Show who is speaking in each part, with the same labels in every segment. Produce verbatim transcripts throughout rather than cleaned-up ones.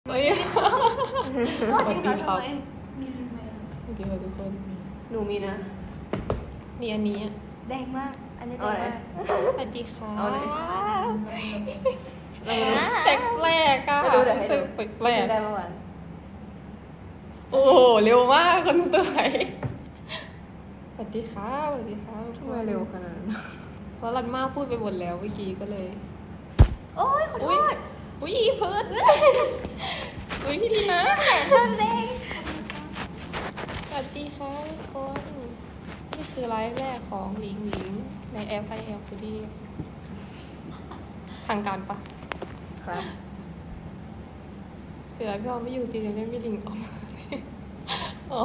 Speaker 1: เฮ้ยสวัสดีครับ
Speaker 2: มีลิงไหม
Speaker 1: สวัสดีค่ะทุกคน
Speaker 3: หนูมีนะ
Speaker 1: มีอันนี้
Speaker 2: แดงมาก อันนี้แด
Speaker 3: เอา
Speaker 2: ง
Speaker 3: ไหน
Speaker 2: มาก
Speaker 1: สวัสดีค่ะ
Speaker 3: เอาไหน
Speaker 2: เออ
Speaker 1: แปลกแปลกๆอะ
Speaker 3: ให้ดูเดี๋ยวให้ดู
Speaker 1: แปลกแปลก
Speaker 3: ได้เมื่อวาน
Speaker 1: ๆโอ้โหเร็วมากคนสวยสวัสดีค่ะสวัสดีค่ะ
Speaker 3: ทำไมเร็วขนาดนั้น
Speaker 1: เพราะรันมาพูดไปหมดแล้วเมื่อกี้ก็เลย
Speaker 2: โอ้ยขอโท
Speaker 1: อุ้ย
Speaker 2: ษ
Speaker 1: อุ้ยอีเพิร์ดอุ้ยพี่ลีนะ
Speaker 2: ชนแดง
Speaker 1: สวัสดีค่ะทุกคนนี่คือไลฟ์แรกของหลิงหลิงในแอปไอแอปพอดีทางการปะ
Speaker 3: ครับ
Speaker 1: เสือพี่ออมไม่อยู่สิเดี๋ยวเล่นพี่ลิงออกมาอ๋อ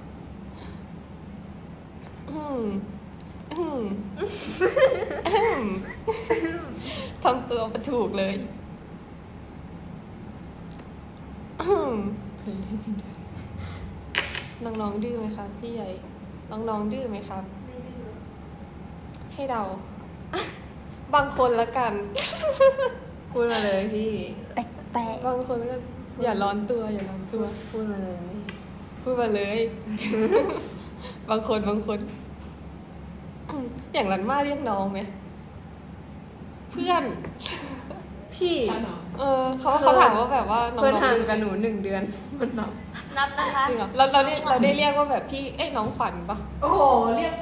Speaker 1: อืมอืมอืมทำตัวประถูกเลยอืมน้องๆดื้อไหมครับพี่ใหญ่ น้องๆดื้อไหมครับ ให้เดา บางคนละกัน
Speaker 3: พูดมาเลยพี่
Speaker 2: แปลกแปลก
Speaker 1: บางคนก็อย่าร้อนตัวอย่าร้อนตัว
Speaker 3: พูดมาเลย
Speaker 1: พูดมาเลย บางคนบางคน อย่างรันมาเรียกน้องไหม เพื่อน
Speaker 3: พี่
Speaker 1: เออเขาเขาถามว่าแบบว่าน้อง
Speaker 3: เพื่อน
Speaker 1: ๆ
Speaker 3: ห่างกับหนูหนึ่งเดือนมันนับ
Speaker 2: นับนะคะ
Speaker 1: จริงเหรอเราเราได้เราได้เรียกว่าแบบพี่ เอ้ยน้องขวัญปะ
Speaker 3: โอ้โห เรียก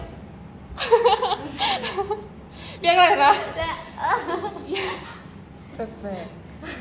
Speaker 1: เรียกอะไรนะ
Speaker 2: เนี่ยเออ
Speaker 3: แปลก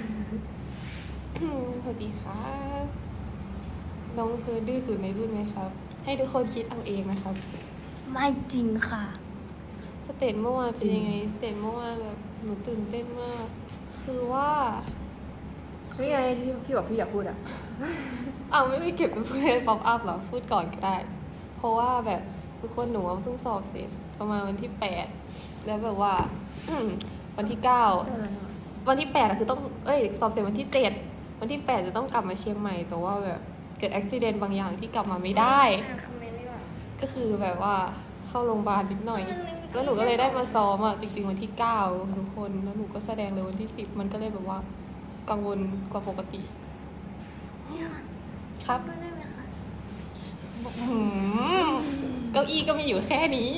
Speaker 1: สวัสดีค่ะ น้องคือดื้อสุดในรุ่นไหมครับ ให้ทุกคนคิดเอาเองนะครับ
Speaker 2: ไม่จริงค่ะ
Speaker 1: สเตจเมื่อวานเป็นยังไง สเตจเมื่อวานแบบหนูตื่นเต้นมาก คือว่า
Speaker 3: ๆนี่ไงที่พี่บอกพี่อยากพูดอ่ะ
Speaker 1: เอาไม่ไปเก็บไปพูดในป๊อปอัพหรอ พูดก่อนก็ได้ เพราะว่าแบบทุกคนหนูเพิ่งสอบเสร็จประมาณวันที่แปด แล้วแบบว่า วันที่เก้า วันที่แปดอะคือต้อง เอ้ย สอบเสร็จวันที่เจ็ด วันที่แปดจะต้องกลับมาเชียงใหม่ แต่ว่าแบบเกิดอุบิเหตุบางอย่างที่กลับมาไม่ได้
Speaker 2: อ่านคอมเมนต์ดีกว่า
Speaker 1: ก็คือแบบว่าเข้าโรงพยาบาลนิดหน่อย แล้วหนูก็เลยได้มาซ้อมอ่ะ จริงๆวันที่เก้าทุกคน แล้วหนูก็แสดงเลยวันที่สิบ มันก็เลยแบบว่า กังวลกว่าปกติ
Speaker 2: นี่ค่ะ
Speaker 1: ครับ
Speaker 2: พูดได้ไหมคะ
Speaker 1: หืมเก้าอี้ก็มีอยู่แค่นี้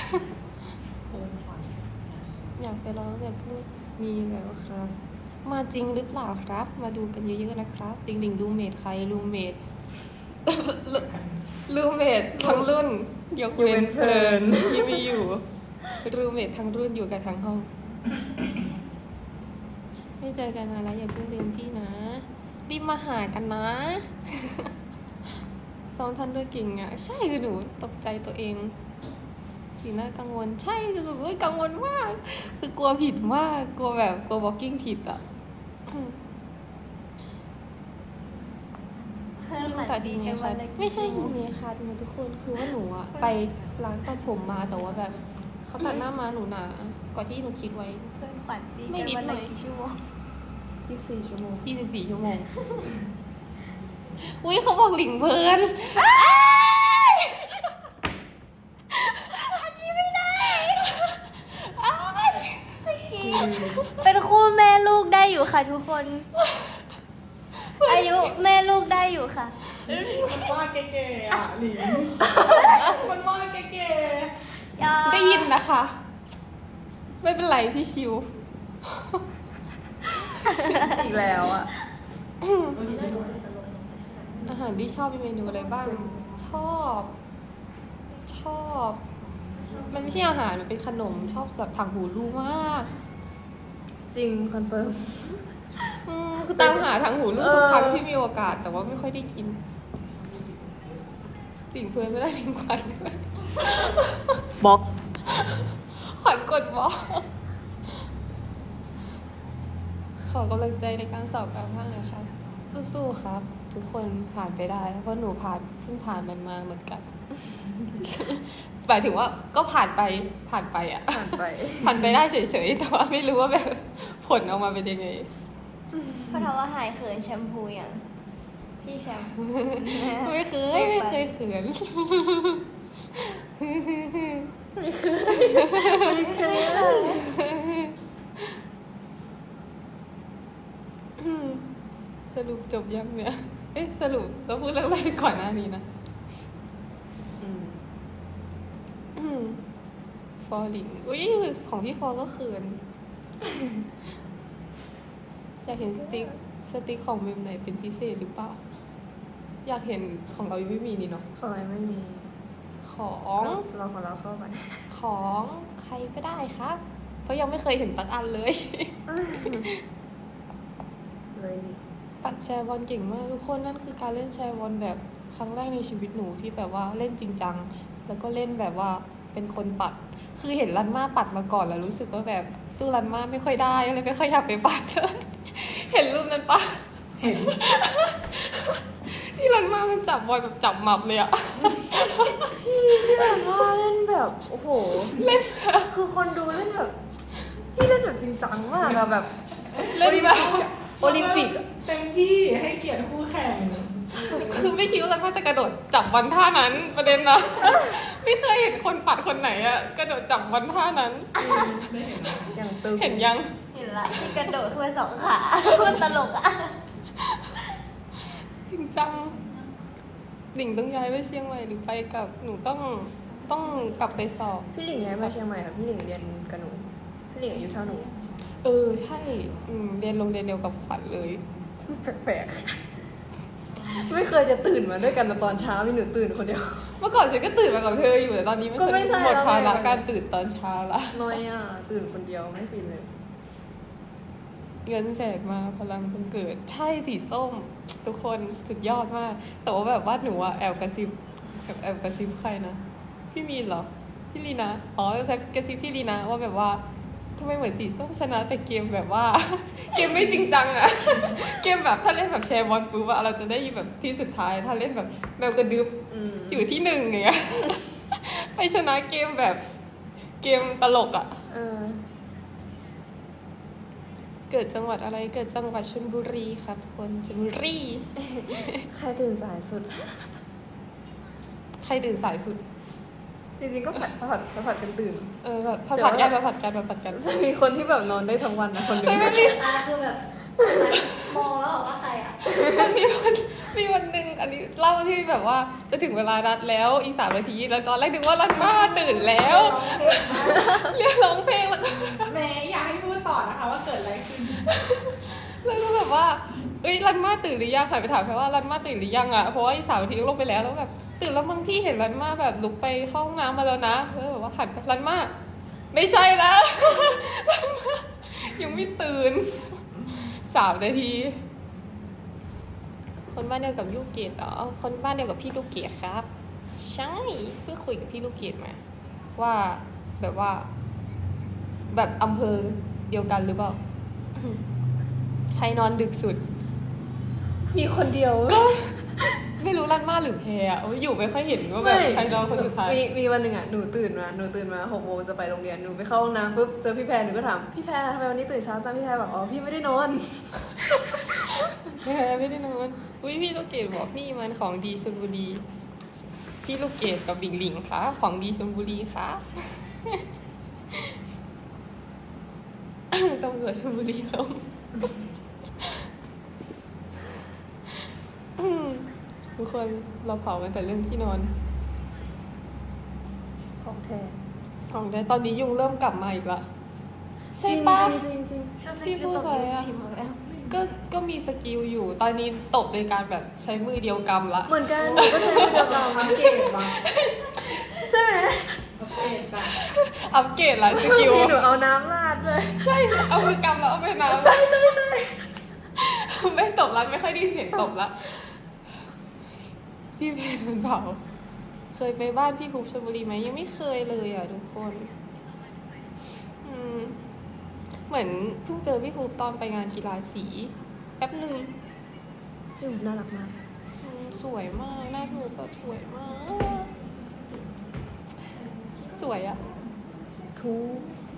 Speaker 1: อยากไปร้องแต่พูดมีแล้วครับ มาจริงหรือเปล่าครับ มาดูกันเยอะๆนะครับลิงลิงรูเมทใครรูเมท รูเมททั้งรุ่น ยกเว้นเพลินที่มีอยู่รูเมททั้งรุ่นอยู่กันทั้งห้อง ไม่เจอกันมาแล้วอย่าเพิ่งลืมพี่นะรีบมาหากันนะ ซ้อมทันด้วยเก่งอ่ะ ใช่คือหนูตกใจตัวเองสีหน้ากังวล ใช่คือหนูกังวลมาก คือกลัวผิดมากกลัวแบบกลัวบล็อกกิ้งผิดอ่ะ
Speaker 2: เพิ่ม
Speaker 1: ลืม
Speaker 2: ฝัน
Speaker 1: ตัด
Speaker 2: ดี
Speaker 1: ดี
Speaker 2: กั
Speaker 1: ไง
Speaker 2: น
Speaker 1: คะ
Speaker 2: วันละกี่
Speaker 1: ไม่ใช่
Speaker 2: ชั่ว
Speaker 1: หิ
Speaker 2: โม
Speaker 1: น
Speaker 2: ง
Speaker 1: เมคาดนะทุกคนคือว่าหนูอะไปร้านตัดผมมาแต่ว่าแบบเขาตัดหน้ามาหนูหนากว่าที่หนูคิดไว้
Speaker 2: เพิ่มฝันดี
Speaker 1: ไม่
Speaker 2: กัน
Speaker 1: นิด
Speaker 2: วัน
Speaker 1: หน่
Speaker 2: ละ
Speaker 1: อย
Speaker 2: กี่ชั่วโมง
Speaker 3: ยี่สิบสี่ชั่วโมง
Speaker 1: ยี่สิบสี่ชั่วโมง อุ้ยเขาบอกหลิงเบิร์น
Speaker 2: อันนี้ไม่ได้เป็นคู่แม่ลูกได้อยู่ค่ะทุกคน อายุแม่ลูกได้อยู่ค่ะ
Speaker 3: มันว่าเก๋ๆอ่ะหลิงมันว่าเก๋
Speaker 2: อย่า
Speaker 1: ได้ยินนะคะ ไม่เป็นไรพี่ชิว
Speaker 3: ๆอีกแล้วอ่ะ
Speaker 1: อาหารที่ชอบมีเมนูอะไรบ้าง ชอบ ชอบ มันไม่ใช่อาหาร มันเป็นขนม ชอบแบบถังหูรูมาก
Speaker 3: จริงคอนเฟิร์ม
Speaker 1: อืมคือตามหาถังหูรูทุกครั้งที่มีโอกาส แต่ว่าไม่ค่อยได้กินหลิงเพื่อนไม่ได้หลิงขวัญด้วย
Speaker 3: บล็อก
Speaker 1: ขวัญกดบล็อกขอกำลังใจในการสอบกลับภาคหน่อยครับ สู้ๆครับ ทุกคนผ่านไปได้ เพราะหนูผ่านเพิ่งผ่านมันมาเหมือนกัน หมายถึงว่าก็ผ่านไปผ่านไปอะ
Speaker 3: ผ่านไป
Speaker 1: ผ่านไปได้เฉยๆแต่ว่าไม่รู้ว่าแบบผลออกมาเป็นยังไง
Speaker 2: เขาถามว่าหายเขินแชมพูอย่างพี่แชมพู
Speaker 1: ไม่เคยไม่เคยเขิน
Speaker 3: ไม่เคยไม่เคยเลย
Speaker 1: สสรุปจบยังเนี่ย เอ๊ะสรุปเราพูดเรื่องอะไรไปก่อนหน้านี้นะ
Speaker 2: อืม
Speaker 1: อืมฟอลิงอุ้ยของพี่ฟอก็เขิน อยากเห็นสติ๊กสติ๊กของเมมไหนเป็นพิเศษหรือเปล่า อยากเห็นของเรายังไม่มีนี่เนาะ
Speaker 2: ของอะไรไม่มี
Speaker 1: ของ
Speaker 2: เราของเราเข้ากัน
Speaker 1: ของใครก็ได้ครับ เพราะยังไม่เคยเห็นสักอันเลย
Speaker 2: เลยดิ
Speaker 1: ปัดแชร์บอลเก่งมากทุกคนนั่นคือการเล่นแชร์บอลแบบครั้งแรกในชีวิตหนูที่แบบว่าเล่นจริงจังแล้วก็เล่นแบบว่าเป็นคนปัด คือเห็นรันมาปัดมาก่อนแล้วรู้สึกว่าแบบสู้รันมาไม่ค่อยได้เลยไม่ค่อยอยากไปปัด เห็นรูปนั้นปะ
Speaker 3: เห็น
Speaker 1: ที่รันมามันจับบอลแบบจับหมับเลยอะ
Speaker 2: พี่ที่แบบว่าเล่นแบบโอ้โห
Speaker 1: เล่น
Speaker 2: คือคนดูเล่นแบบพี่เล่นแบบจริงจังมากอะแบบ
Speaker 1: เล่นแบบ
Speaker 2: โอลิมปิกอะ
Speaker 3: เต็มที่ให้เกียรติคู่แข่ง
Speaker 1: คือไม่คิดว่ารันมาจะกระโดดจับบอลท่านั้นประเด็นนะ ไม่เคยเห็นคนปัดคนไหนอะกระโดดจับบอลท่านั้น
Speaker 3: ไม่เห็นนะ
Speaker 2: อย่างตึง
Speaker 1: เห็นยัง
Speaker 2: เห็นละที่กระโดดขึ้นไปสองขาพูดตลกอะ
Speaker 1: จริงจังหลิงต้องย้ายไปเชียงใหม่หรือไปกับหนูต้องต้องกลับไปสอบ
Speaker 2: พี่หลิงย้ายมาเชียงใหม่ค่ะพี่หลิงเรียนกับหนูพี่หลิงอายุเท่าหนู
Speaker 1: เออใช่อืมเรียนโรงเรียนเดียวกับขวัญเลย
Speaker 2: แปลกๆไม่เคยจะตื่นมาด้วยกันตอนเช้ามีหนูตื่นคนเดียว
Speaker 1: เมื่อก่อนฉันก็ตื่นมากับเธออยู่แต่ตอนนี้มัน
Speaker 2: ก็
Speaker 1: ฉัน
Speaker 2: ไม่ใช่
Speaker 1: หมดภา
Speaker 2: แล้
Speaker 1: ระ
Speaker 2: วไง
Speaker 1: การตื่นตอนเช้าละ
Speaker 2: น้อยอ่ะตื่นคนเดียวไม่ฟินเลย
Speaker 1: เงินแสนมาพลังบังเกิด ใช่สีส้ม ทุกคนสุดยอดมาก แต่ว่าแบบว่าหนูอะแอบกระซิบแอบแอบกระซิบใครนะพี่มีนเหรอพี่ลีนะอ๋อกระซิบพี่ลีนะว่าแบบว่าทำไมเหมือนสีส้มชนะแต่เกมแบบว่า เกมไม่จริงจังอะ เกมแบบถ้าเล่นแบบแชร์บอลปุ๊บอะเราจะได้แบบที่สุดท้ายถ้าเล่นแบบแมวกระดึบ
Speaker 2: อืม
Speaker 1: อยู่ที่หนึ่งอย่างเงี้ย ไปชนะเกมแบบเกมตลกอะ
Speaker 2: เออ
Speaker 1: เกิดจังหวัดอะไรเกิดจังหวัดชลบุรีครับทุกคนชลบุรี
Speaker 2: ใครตื่นสายสุด
Speaker 1: ใครตื่นสายสุด
Speaker 2: จริงๆก็ผัดผัดผัดกันตื่น
Speaker 1: เออแบบผัด
Speaker 2: แต่
Speaker 1: ผั
Speaker 2: ว่า
Speaker 1: ดกันผัดกันผัดกัน
Speaker 2: จะมีคนที่แบบนอนได้ทั้งวันนะคนหนึง
Speaker 1: เฮ้ยไม่มี
Speaker 2: อ่าคือแบบมองแล้วบอกว่าใครอ่ะ
Speaker 1: มันมีวันมีวันหนึ่งอันนี้เล่าที่แบบว่าจะถึงเวลานัดแล้วอีกสามนาทีแล้วตอนแรกนึกว่ารันมาตื่นแล้วเรียกร้องเพลงแล้วก็
Speaker 3: แม่อยากให้พูดต่อนะคะว่าเกิดอะไรขึ้น
Speaker 1: แล้วก็แบบว่าเอ้ยรันมาตื่นหรือยังค่ะไปถามแค่ว่ารันมาตื่นหรือยังอ่ะเพราะว่าอีกสามนาทีก็ลงไปแล้วแล้วแบบตื่นแล้วมั้งพี่เห็นรันมาแบบลุกไปเข้าห้องน้ำมาแล้วนะแล้วแบบว่าหันไปรันมาไม่ใช่แล้ว รันมายังไม่ตื่นสามนาที คนบ้านเดียวกับลูกเกดเหรอคนบ้านเดียวกับพี่ลูกเกดครับ ใช่เพิ่งคุยกับพี่ลูกเกดมา ว่าแบบว่า แบบอำเภอเดียวกันหรือเปล่า ใครนอนดึกสุด
Speaker 2: มีคนเดียว
Speaker 1: ก็ ไม่รู้รันมาหรือแพรอะอยู่ไม่ค่อยเห็นว่าแบบใครนอนคนสุดท้าย
Speaker 2: มีมีวันหนึ่งอ่ะหนูตื่นมาหนูตื่นมาหกโมงจะไปโรงเรียนหนูไปเข้าห้องน้ำปุ๊บเจอพี่แพรหนูก็ถามพี่แพรทำไมวันนี้ตื่นเช้าจังพี่แพรบอกอ๋อพี่ไม่ได้นอน
Speaker 1: แพรไม่ได้นอนอุ้ยพี่ลูกเกดบอกนี่มันของดีชลบุรี พี่ลูกเกดกับบิงหลิงค่ะของดีชลบุรีค่ะ ตำรวจชลบุรีลง อืมทุกคนเราเผากันแต่เรื่องที่นอน
Speaker 2: ของแท้
Speaker 1: ของได้ตอนนี้ยุงเริ่มกลับมาอีกละใช่ปะ
Speaker 2: จริงๆจริง
Speaker 1: พี่พูดไปอะก็ก็มีสกิลอยู่ ตอนนี้ตบโดยการแบบใช้มือเดียวกำละ
Speaker 2: ๆเหมือนกันหนูก็ใช้มือเดียวกัน
Speaker 3: อัปเกรดมา
Speaker 2: ใช่ไหม
Speaker 3: อัปเกรดจ้ะ
Speaker 1: อัปเกรดละสกิล
Speaker 2: พี่หนูเอาน้ำราดเลย
Speaker 1: ใช่ เอามือกำแล้วเอาไปน้ำ
Speaker 2: ใช่ใช่ใช่
Speaker 1: ไม่ตบละไม่ค่อยได้ยินเสียงตบละพี่เพนมันเผาเคยไปบ้านพี่ภูมิชลบุรีไหมยังไม่เคยเลยอ่ะทุกคน อืม เหมือนเพิ่งเจอพี่ภูมิตอนไปงานกีฬาสี แป๊บหนึ่ง
Speaker 2: พี่หนูน่ารักมาก
Speaker 1: อืมสวยมากหน้าพี่ภูมิแบบสวยมาก สวยอ่ะ
Speaker 2: ทุก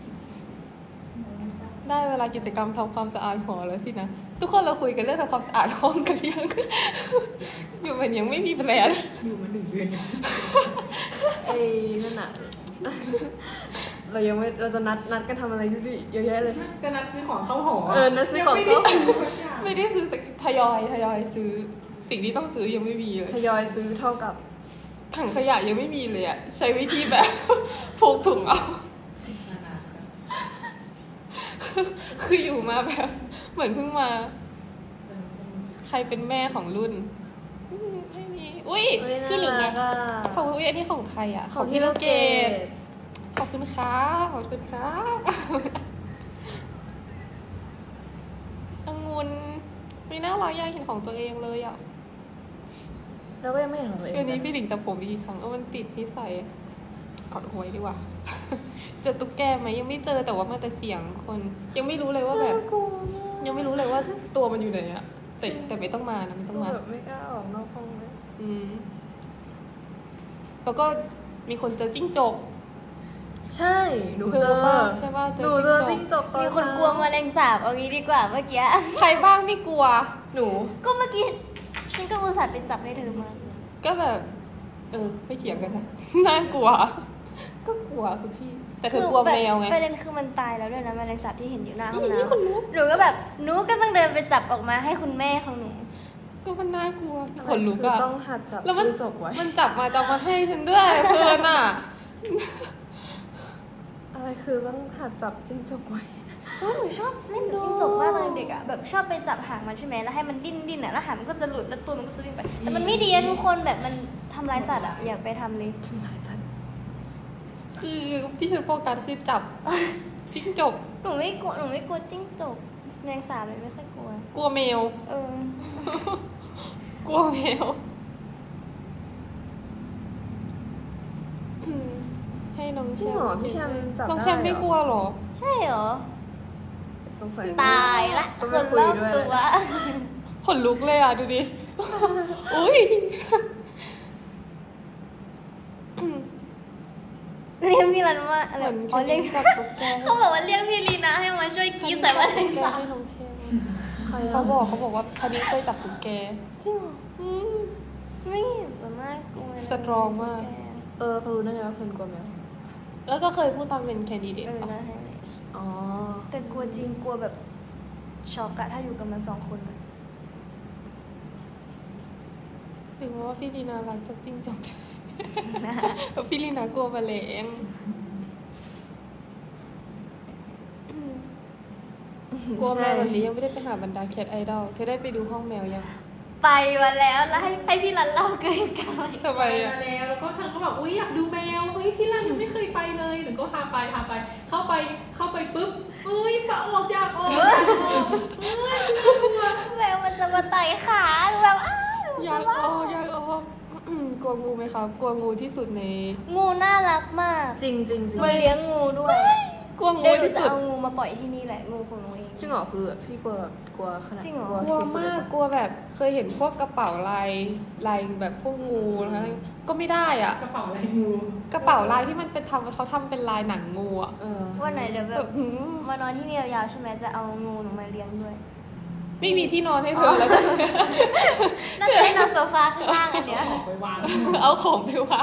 Speaker 1: ได้เวลากิจกรรมทำความสะอาดหอแล้วสินะ ทุกคนเราคุยกันเรื่องทำความสะอาดห้องกันหรือยัง อยู่มันยังไม่มีแพลน
Speaker 3: อยู่มาหนึ่งเดือน
Speaker 2: ไอ้นั่นน่ะ
Speaker 4: เรายังไม่เราจะนัดนัดกันทำอะไรดูดิเยอะแยะเลย
Speaker 3: จะนัดซื้อของเข้าหอ
Speaker 4: เออนัดซื้อของเข้าหอ
Speaker 3: ยังไม่ได้ซื้อสักอย่าง
Speaker 1: ไม่ได้ซื้อสักทยอยทยอยซื้อ สิ่งที่ต้องซื้อยังไม่มีเลย
Speaker 4: ทยอยซื้อเท่ากับ
Speaker 1: ถังขยะยังไม่มีเลยอะใช้วิธีแบบ ผูกถุงเอา คืออยู่มาแบบ เหมือนเพิ่งมา ใครเป็นแม่ของรุ่นอืมไม่มี อุ้ย
Speaker 2: พี่หลิงไง
Speaker 1: ของอุ้ยอันนี้ของใครอะ
Speaker 4: ของพี่ลูกเกด
Speaker 1: ขอบคุณครับขอบคุณครับองุ่นไม่น่ารักอยากเห็นของตัวเองเลยอะ
Speaker 4: เราก็ยังไม่เห็นของตัวเอง
Speaker 1: วันนี้พี่หลิงจับผมอีกครั้งเออมันติดนิสัยกอดหวยดีกว่า เจอตุ๊กแกไหมยังไม่เจอแต่ว่ามาแต่เสียงคน ยังไม่รู้เลยว่าแบบ
Speaker 4: น่ากลัว
Speaker 1: ยังไม่รู้เลยว่าตัวมันอยู่ไหนอะแต่แต่ไม่ต้องมานะไม่ต้องมา
Speaker 4: แบบไม่กล้าออกนอกห้องเลย
Speaker 1: อืมแล้วก็มีคนเจอจิ้งจก
Speaker 4: ใช่หนูเจอ
Speaker 1: เธอปะใช่ปะเจอ
Speaker 4: หนูเจอ
Speaker 1: จิ้
Speaker 4: จิ้
Speaker 1: ง
Speaker 4: ง
Speaker 1: จ
Speaker 4: จ
Speaker 1: ก
Speaker 4: กตอน
Speaker 2: มีคนกลัวแมลงสาบเอางี้ดีกว่าเมื่อกี้
Speaker 1: ใครบ้างไม่กลัว
Speaker 4: หนู
Speaker 2: ก็เมื่อกี้ฉันก็อุตส่าห์ไปจับให้เธอมา
Speaker 1: ก็แบบ เออไม่เถียงกันนะ น่ากลัว ก็กลัวคือพี่ แต่เธอกลัวแมวไง
Speaker 2: ประเด็นคือมันตายแล้วด้วยนะแมลงสาบที่เห็นอยู่หน้าห้อง
Speaker 1: นี่
Speaker 2: น้
Speaker 1: คนลุก
Speaker 2: ำหนูก็แบบหนูก็ต้องเดินไปจับออกมาให้คุณแม่ของหนู
Speaker 1: ก็มันน่ากลัว
Speaker 4: อะไร
Speaker 1: ขนลุก
Speaker 4: คือ
Speaker 1: อะ
Speaker 4: ต้องหัดจับ
Speaker 1: แล้วมัน
Speaker 4: จิ้งจกไว้
Speaker 1: มันจับมาจะเอามาให้ฉันด้วยเพื่อนอะ
Speaker 4: อะไรคือต้องหัดจับจิ้งจกไว้
Speaker 2: โอ้ยหนูชอบเล่นกับจิ้งจกมากตอนเด็กอะแบบชอบไปจับหางมันใช่ไหมแล้วให้มันดิ้นดิ้นอะแล้วหางมันก็จะหลุดแล้วตัวมันก็จะวิ่งไป แต่มันไม่ดีอะทุกคนแบบมันทำร้ายสัตว์อะอย่าไปทำเลย
Speaker 4: ทำลายสัตว์
Speaker 1: คือที่ฉันโฟกัสคือจับจิ้งจก
Speaker 2: หนูไม่กลัวหนูไม่กลัวจิ้งจกแมลงสาบเลยไม่ค่อยกลัว
Speaker 1: กลัวแมว
Speaker 2: เออ
Speaker 1: กลัวแมวอืมให้น้องแช
Speaker 4: จริง
Speaker 1: ม
Speaker 4: เหรอ
Speaker 1: ป์
Speaker 4: พี่แชมป์จับ
Speaker 1: น้อง
Speaker 4: ได้
Speaker 1: แชมป์ไม่กลัวเหรอ
Speaker 2: ใช่เหรอ
Speaker 4: ต้องใส่
Speaker 2: ตายละ
Speaker 4: ต้อง
Speaker 2: ค
Speaker 4: ไป
Speaker 2: น
Speaker 4: คุย
Speaker 2: รอบ
Speaker 4: ด้วย
Speaker 2: ตัว
Speaker 1: ขนลุกเลยอ่ะ ดูดิ อุ้ยอืม
Speaker 2: เรียกพี่รันว่าอะไร
Speaker 1: เหมือน
Speaker 2: อ๋อเรียก
Speaker 1: จับตุ๊กแก
Speaker 2: เขาบอกว่าเรียกพี่ลีนะให้มาช่วยกรีดใส่แมลงสาบ
Speaker 1: ให้น้องแชมป์
Speaker 4: ใคร
Speaker 1: เขา
Speaker 4: อะ
Speaker 1: บอกเขาบอกว่าคดีเคยจับตุ๊กแก
Speaker 2: จริงเหรอ
Speaker 1: อืม
Speaker 2: ไม่เห็นจะน่ากลัวเลย
Speaker 1: สตรองมาก
Speaker 4: เออเขารู้ได้ไงว่าเพื่อนกลัวแมว
Speaker 1: แล้วก็เคยพูดตอนเป็นแคนดิเดต
Speaker 2: เออ
Speaker 1: ปะ
Speaker 2: นะให้เลย
Speaker 4: อ๋อ
Speaker 2: แต่กลัวจริงกลัวแบบช็อกอะถ้าอยู่กับมันสองคนอะ
Speaker 1: ถึงว่าพี่ลีนารักจับจิ้งจกเพราะพี่ลีนากลัวแมลงอืมกลัวแมวแบบนี้ยังไม่ได้ไปหาบรรดาแคทไอดอลเธอได้ไปดูห้องแมวยัง
Speaker 2: ไปมาแล้วแล้วให้ให้พี่รันเล่าเกินกัน
Speaker 1: ทำไม
Speaker 3: ไป
Speaker 1: อ่ะ
Speaker 3: มาแล้วแล้วก็ฉันก็แบบอุ้ยอยากดูแมวเฮ้ยพี่รันยังไม่เคยไปเลยหนูก็พาไปพาไป เข้าไปเข้าไปปุ๊บเอ้ยปะออกอยากออกเอ้ยกลัว
Speaker 2: แมวมันจะมาไต่ขาหนูแบบอ้าวหนู
Speaker 1: อยาก
Speaker 2: จะ
Speaker 1: อ
Speaker 2: ว่า
Speaker 1: อกอยากออกอืมกลัวงูไหมครับ กลัวงูที่สุดใน
Speaker 2: งูน่ารักมาก
Speaker 4: จริงจริงจริง
Speaker 2: หนูเลี้ยงงูด้วย
Speaker 1: กลัวงู
Speaker 2: เดี๋ยวหนู
Speaker 1: ที่
Speaker 2: จะ
Speaker 1: สุด
Speaker 2: เอางูมาปล่อยที่นี่แหละงูของหนูเอง
Speaker 4: จริงเหรอคือพี่กลัวแบบกลัวขนาด
Speaker 2: จริงเหรอ
Speaker 1: กลัว
Speaker 4: สุดๆ
Speaker 1: มาก
Speaker 4: เลยปะ
Speaker 1: กลัวแบบเคยเห็นพวกกระเป๋าลายลายแบบพวกงูนะคะก็ไม่ได้อ่ะ
Speaker 3: กระเป๋าอะไรงู
Speaker 1: กระเป๋าลายที่มันเป็นทำเขาทำเป็นลายหนังงูอ่ะ
Speaker 4: เออ
Speaker 2: วันไหนเดี๋ยวแบ
Speaker 1: แบบ บหืม
Speaker 2: มานอนที่นี่ยาวๆใช่ไหมจะเอางูหนูมาเลี้ยงด้วย
Speaker 1: ไม่มีที่นอนให้เธอแล้วกัน
Speaker 2: น่าจะได้นอนโซฟาข้างล่างอันเนี้ย
Speaker 3: ออกไปวาง
Speaker 1: เอาของไปวาง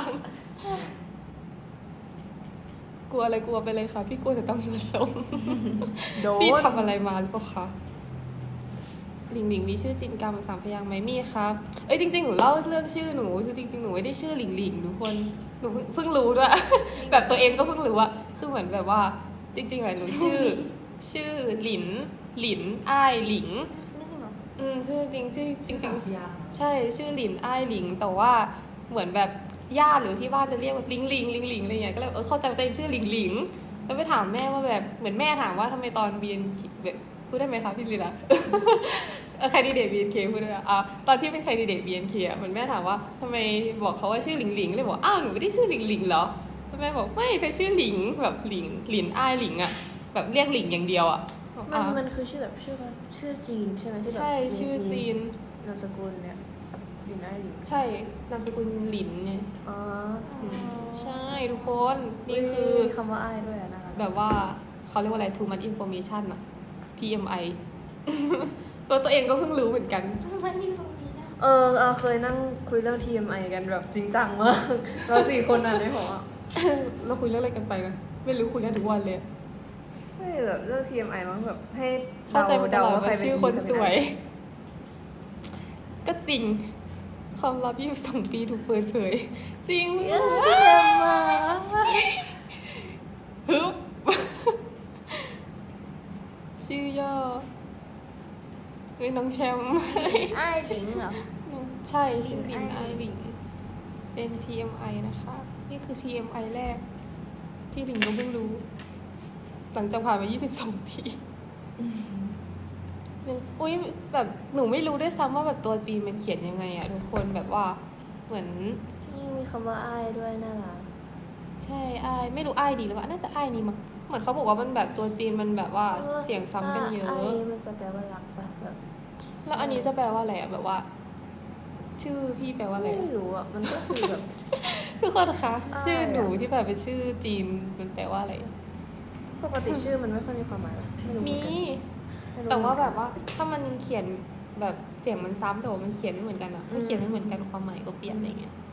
Speaker 1: กลัวอะไรกลัวไปเลยค่ะ พี่กลัวแต่ต้องนอนลง
Speaker 4: โดน
Speaker 1: พี่ทำอะไรมาหรือเปล่าคะหลิงหลิงมีชื่อจินกรรมสามพยางค์ไหมมีครับ เอ้ยจริงๆหนูเล่าเรื่องชื่อหนูคือจริงๆหนูไม่ได้ชื่อหลิงหลิงทุกคนหนูเพิ่งเพิ่งรู้ด้วย แบบตัวเองก็เพิ่งรู้ว่าคือเหมือนแบบว่า จริงๆอะหนูชื่อ ชื่อหลิน หลินอ้ายหลิง
Speaker 2: ไม่จริงเหรอ
Speaker 1: อืมชื่อจริงชื่อจริง
Speaker 3: สาม
Speaker 1: ๆ
Speaker 3: พยางค์
Speaker 1: ใช่ชื่อหลินอ้ายหลิง แต่ว่าเหมือนแบบญาติหรือที่บ้านจะเรียกว่าลิงลิงลิงลิงอะไรเงี้ยก็เลยเออเข้าใจว่าตัวเองชื่อหลิงหลิงแล้วไปถามแม่ว่าแบบเหมือนแม่ถามว่าทำไมตอนบีนแบบพูดได้ไหมคะพี่ลีนะ เออแคนดิเดตบีเอ็นเคพูดได้ไหมอ่ะตอนที่เป็นแคนดิเดตบีเอ็นเคอ่ะเหมือนแม่ถามว่าทำไมบอกเขาว่าชื่อหลิงหลิงเลยบอกอ้าวหนูไม่ได้ชื่อหลิงหลิงเหรอแล้วแม่บอกไม่เธอชื่อหลิงแบบหลิงหลินอ้ายหลิงอ่ะแบบเรียกหลิงอย่างเดียวอ่ะบอก
Speaker 4: มัน
Speaker 1: อ่ะ
Speaker 4: มันคือชื่อแบบชื่อภาษาชื่อจีนใช่ไหมที่แบบ
Speaker 1: ใช่ชื่อจีน
Speaker 4: นามสกุลเนี่ยอยู่ไหนอยู่
Speaker 1: ใช่นามสกุลหลินไง
Speaker 4: อ๋อ
Speaker 1: อืมใช่ทุกคนนี่คือ
Speaker 4: มีคำว่าอ้ายด้วยอะนะคะ
Speaker 1: แบบว่าเขาเรียกว่าอะไร too much information อะ ที เอ็ม ไอ ตัวตัวเองก็เพิ่งรู้เหมือนกัน
Speaker 2: มันนี่ตรงนี้นะ
Speaker 4: เออเราเคยนั่งคุยเรื่อง ที เอ็ม ไอ กันแบบจริงจังมาก เราสี่คนอ่ะในหออะ
Speaker 1: เราคุยเรื่องอะไรกันไปนะไม่รู้คุยกันทุกวันเลย
Speaker 4: ไม่แบบเรื่อง ที เอ็ม ไอ มั้งแบบให้
Speaker 1: เข้าใจมาต
Speaker 4: เดา
Speaker 1: ลอด
Speaker 4: ว่าใคร
Speaker 1: ว่า
Speaker 4: เป็น
Speaker 1: ชื่อคนสวย
Speaker 4: ใร
Speaker 1: ก็จริง ความลับยี่สิบสองปีถูกเปิดเผย จริงมึง
Speaker 4: เป็น
Speaker 1: เอ้
Speaker 4: ใคร
Speaker 1: ย
Speaker 4: มา
Speaker 1: ฮึบ ชื่อย่อเอ้ยน้องแชมป์
Speaker 2: ไอ้ายหลิงเหรอ
Speaker 1: ใช่ชื่อ
Speaker 2: หลิ
Speaker 1: ลิ
Speaker 2: ง
Speaker 1: น
Speaker 2: ไอ
Speaker 1: ไอหลิง เป็น ที เอ็ม ไอ นะคะ นี่คือ ที เอ็ม ไอ แรก ที่หลิงก็เพิ่งรู้ หลังจากผ่านมายี่สิบสองปีเนี่ยอุ้ยแบบหนูไม่รู้ด้วยซ้ำว่าแบบตัวจีนมันเขียนยังไงอะทุกคนแบบว่าเหมือน
Speaker 4: นี่มีคำว่าอ้ายด้วยน่ารัก
Speaker 1: ใช่ไอายไม่รู้ไอายดีหรือเปล่าน่าจะไอายนี่มั้งเหมือนเขาบอกว่ามันแบบตัวจีนมันแบบว่าเสียงซ้ำกันเยอะ
Speaker 4: อ้ายนี่มันจะแปลว่ารักปะแบบ
Speaker 1: แล้วอันนี้จะแปลว่าอะไรอะแบบว่า ชื่อพี่แปลว่าอะไรอะ
Speaker 4: ไม่รู้อ่ะ มันก็คือแบบ
Speaker 1: ทุกคนคะ
Speaker 4: อ้าย
Speaker 1: ชื่อหนู
Speaker 4: อะ
Speaker 1: ที่แบบเป็นชื่อจีนมันแปลว่าอะไร
Speaker 4: ปกติชื่อมันไม่ค่อยมีความหมายหรอกไม่รู้เห
Speaker 1: มี
Speaker 4: อนกันไม่รู้
Speaker 1: แต่ว่า
Speaker 4: เหมือนกัน
Speaker 1: แบบว่าถ้ามันเขียนแบบเสียงมันซ้ำแต่ว่ามันเขียนไม่เหมือนกันอะถ้าเขียนไม่เหมือนกันความหมายก็เปลี่ยนอะไรเงี้ย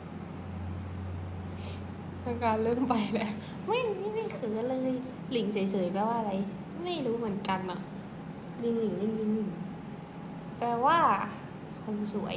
Speaker 1: ทางการเริ่มไปแหละไม่ไม่ไม่เคือเลย หลิงเฉยๆแปลว่าอะไร ไม่รู้เหมือนกันอะ
Speaker 4: ลิงหลิงลิงลิงลิง
Speaker 1: แปลว่า คนสวย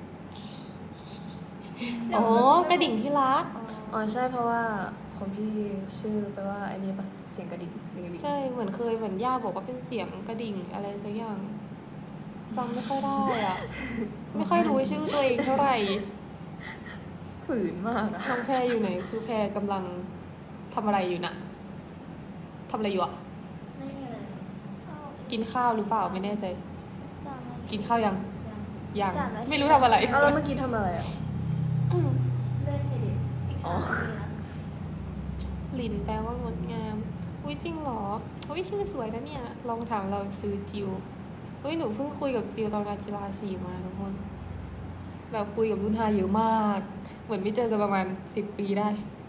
Speaker 1: อ๋อกระดิ่งที่รัก
Speaker 4: อ๋อใช่เพราะว่าของพี่ชื่อแปลว่าไอ้นี่ปะเสียงกระดิ่งลิงลิง
Speaker 1: ใช่เหมือนเคยเหมือนย่าบอกว่าเป็นเสียงกระดิ่งอะไรสักอย่างจำไม่ค่อยได้อะไม่ค่อยรู้ชื่อตัวเองเท่าไหร่
Speaker 4: ฝืนมากอะ
Speaker 1: น้องแพรอยู่ไหน คือแพรกำลังทำอะไรอยู่น่ะทำอะไรอยู่อ่ะ
Speaker 2: ไม่มีอะไรเอา
Speaker 1: กินข้าวหรือเปล่าไม่แน่ใจ
Speaker 2: สามนาที
Speaker 1: กินข้าวยัง
Speaker 2: ยัง
Speaker 1: ยัง
Speaker 2: สามนาที
Speaker 1: ไม่รู้ทำอะไร
Speaker 4: เอาแล้วเมื่อกี้ทำอะไรอ่ะ
Speaker 1: อืม
Speaker 2: เล่นให้ดิอีก
Speaker 4: อ๋
Speaker 2: สา
Speaker 4: อ
Speaker 2: มนาทีนะ
Speaker 1: หลินแปลว่างดงาม อุ้ยจริงเหรออุ้ยชื่อสวยนะเนี่ย ลองถามเราซื้อจิวอุ้ยหนูเพิ่งคุยกับจิวตอนการกีฬาสีมาทุกคน แบบคุยกับรุ่นฮาเยอะมาก เหมือนไม่เจอกันประมาณสิบปีได้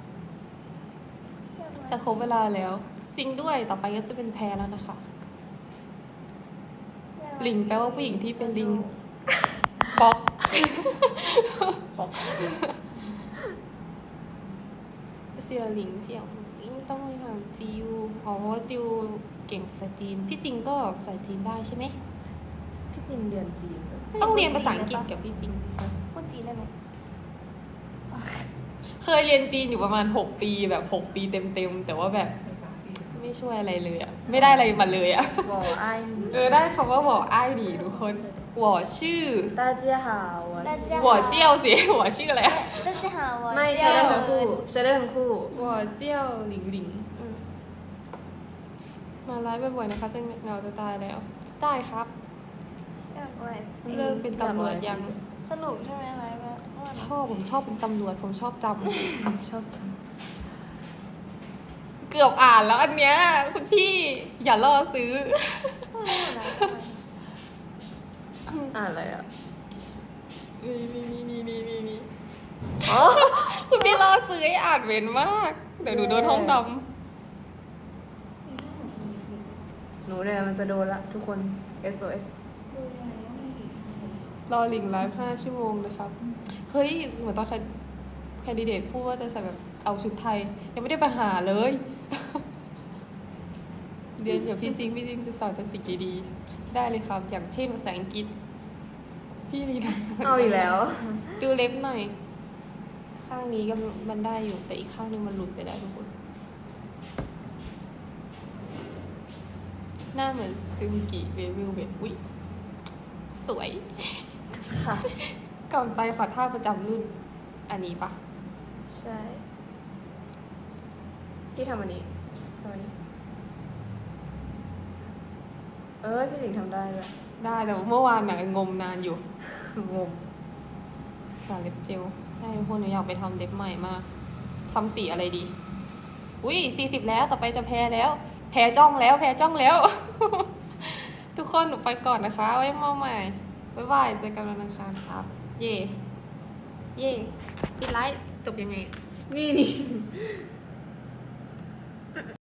Speaker 1: จะครบเวลาแล้ว จริงด้วยต่อไปก็จะเป็นแพรแล้วนะคะ ลิงแปลว่าผู้หญิงที่เป็นลิง ป๊อก
Speaker 4: บอก
Speaker 1: เสียหลิงเสี่ยวไม่ต้องไปถามจิวอ๋อเพราะว่าจิวเก่งภาษาจีน พี่จริงก็ภาษาจีนได้ใช่ไหม
Speaker 4: พี่จินเรียนจีนแบบ
Speaker 1: ต้องเรียนภาษาอังกฤษกับพี่จริง
Speaker 2: พูดจีนได้ไหม
Speaker 1: เคยเรียนจีนอยู่ประมาณหกปีแบบหกปีเต็มๆ แต่ว่าแบบไม่ช่วยอะไรเลยอะไม่ได้อะไรมาเลยอะ
Speaker 4: บอกไอ้าย
Speaker 1: เออได้คำว่าหวออ้ายดีทุกคนหวอชื่อ
Speaker 4: 大家好我
Speaker 2: 大家
Speaker 1: หวอเจี้ยวสิ หวอชื่ออะไรอะ
Speaker 2: 大家好我
Speaker 4: ไม่
Speaker 2: 叫
Speaker 4: ใช้ได้ทั้งคู่ใช้ได้ทั้งคู่
Speaker 1: หวอเจี้ยวหลิงหลิง
Speaker 2: อืม
Speaker 1: มาไลฟ์บ่อยๆนะคะจะเหงาจะตายแล้ว ได้ครับ
Speaker 2: อยากอะไร
Speaker 1: เลิกเป็นตำรวจยัง
Speaker 2: สนุกใช่ไหมอะไรแบบ
Speaker 1: ชอบผมชอบเป็นตำรวจผมชอบจ
Speaker 4: ชอบจัง
Speaker 1: ำ เกือบอ่านแล้วอันเนี้ยคุณพี่อย่าล่อซื้อ
Speaker 4: อ่านอะไรอ่ะ
Speaker 1: มีมีมีมีมีมีมี
Speaker 4: อ๋อ
Speaker 1: คุณพี่ล่อซื้อให้อ่านเว้นมาก เดี๋ยวหนูโดนห้องด
Speaker 4: หนูเนี่ยมันจะโดนละทุกคน เอส โอ เอส
Speaker 1: ำรอลิงไลฟ์ห้าชั่วโมงนะครับ เฮ้ย เหมือนตอนแคนดิเดตพูดว่าจะใส่แบบเอาชุดไทย ยังไม่ได้ไปหาเลย เรียนกับพี่จริง พี่จริงจะสอนแต่สิ่งดีๆได้เลยครับ อย่างเช่นภาษาอังกฤษ พี่ลีนะ
Speaker 4: เอาอีกแล้ว
Speaker 1: ดูเล็บหน่อย ข้างนี้ก็มันได้อยู่ แต่อีกข้างนึงมันหลุดไปแล้วทุกคน หน้าเหมือนซึงกิเววิลเวทอุ้ยสวย
Speaker 4: ค่ะ
Speaker 1: ก่อนไปขอท่าประจำรุ่น อันนี้ปะ
Speaker 4: ใช่ พี่ทำอันนี้ทำอันนี้ เออพี่หลิงทำได้เลย
Speaker 1: ได้แต่ว่าเมื่อวานน่ะงมนานอยู่
Speaker 4: งม
Speaker 1: สาเล็บเจล ใช่ทุกคนหนูอยากไปทำเล็บใหม่มากทำสีอะไรดี อุ้ยสี่สิบแล้ว ต่อไปจะแพ้แล้ว แพ้จ้องแล้ว แพ้จ้องแล้ว ทุกคนหนูไปก่อนนะคะ ไว้มาใหม่ บ๊ายบาย เจอกันวันอังคารครับ เย่ เย่ปิดไลฟ์จบยังไง
Speaker 4: นี่นี่